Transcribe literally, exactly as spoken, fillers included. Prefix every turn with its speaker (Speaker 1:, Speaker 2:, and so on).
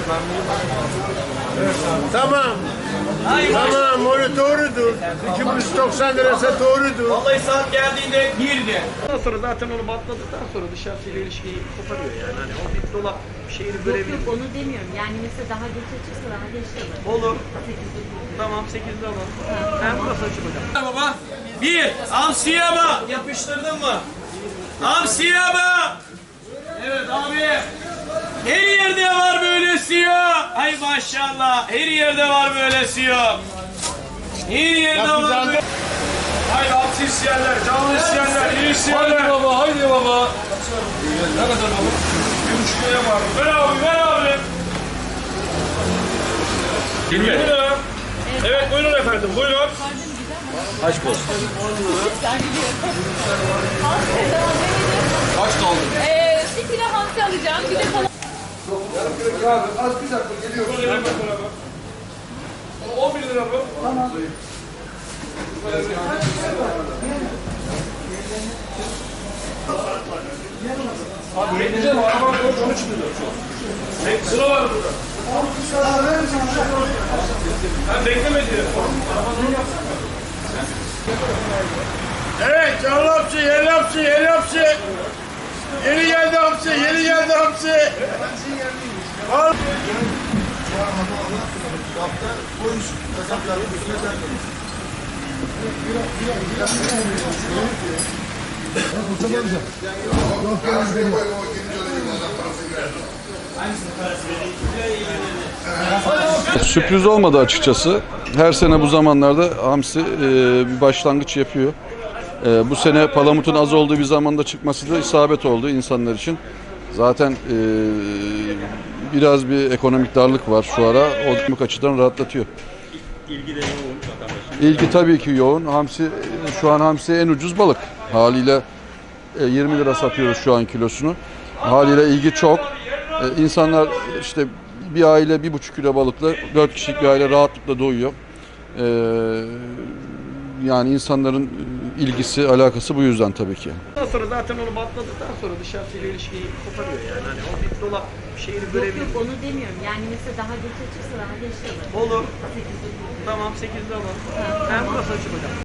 Speaker 1: Tamam. Tamam, onu doğrudur. iki yüz doksan lirası doğrudur.
Speaker 2: Vallahi saat geldiğinde birdi. Ondan sonra zaten onu batladıktan sonra dışarısıyla ilişkiyi koparıyor yani. Hani o bir dolap şeyini
Speaker 3: Yok
Speaker 2: görebilir.
Speaker 3: yok onu demiyorum. Yani mesela daha geç açılsa daha geç alır.
Speaker 2: Olur.
Speaker 3: sekizde
Speaker 2: Tamam sekizde alalım. Ben burası açık hocam. Baba. Bir. Amsiyaba. Yapıştırdın mı? Amsiyaba. Evet abi. Her yerde var böyle siyah. Ay maşallah. Her yerde var böyle siyah. Her yerde var böyle. Haydi hamsi isteyenler, canlı isteyenler, iyi isteyenler. Haydi baba, haydi baba. Ne kadar baba? Bir buçuk liraya var. Ver abi, ver abi. yirmi lira. Evet, buyurun efendim, buyurun. Kaç post? Kaç kaldı?
Speaker 4: Ee, bir kilo hamsi alacağım, bir de kalan...
Speaker 1: Yarım kilo kağıdı. Az bir dakika geliyor.
Speaker 2: on bir lira bu. Tamam. Abi ne güzel var. Arabanın konuş onu çıkıyor. Sıra var burada. Ben beklemedi.
Speaker 1: Evet, canlı hamsi, yeni hamsi, yeni hamsi. Yeni geldi hamsi, yeni geldi hamsi. Al.
Speaker 5: Sürpriz olmadı açıkçası. Her sene bu zamanlarda hamsi e, bir başlangıç yapıyor. E, bu sene palamutun az olduğu bir zamanda çıkması da isabet oldu insanlar için. Zaten e, biraz bir ekonomik darlık var şu ara. O açıdan rahatlatıyor.
Speaker 6: İlgi de yoğun vatandaşın.
Speaker 5: İlgi tabii ki yoğun. Hamsi şu an hamsi en ucuz balık. Haliyle e, yirmi lira satıyoruz şu an kilosunu. Haliyle ilgi çok. E, insanlar işte bir aile bir buçuk kilo balıkla dört kişilik bir aile rahatlıkla doyuyor. E, yani insanların ilgisi, alakası bu yüzden tabii ki.
Speaker 2: Ondan sonra zaten onu batladıktan sonra dışarısıyla ilişkiyi koparıyor yani. Hani o bir dolap şeyini
Speaker 3: Yok
Speaker 2: görebilir.
Speaker 3: yok onu demiyorum. Yani mesela daha geç açılsa daha geç alır.
Speaker 2: Olur.
Speaker 3: sekizde
Speaker 2: Tamam sekizde alalım. Ben burası açık hocam.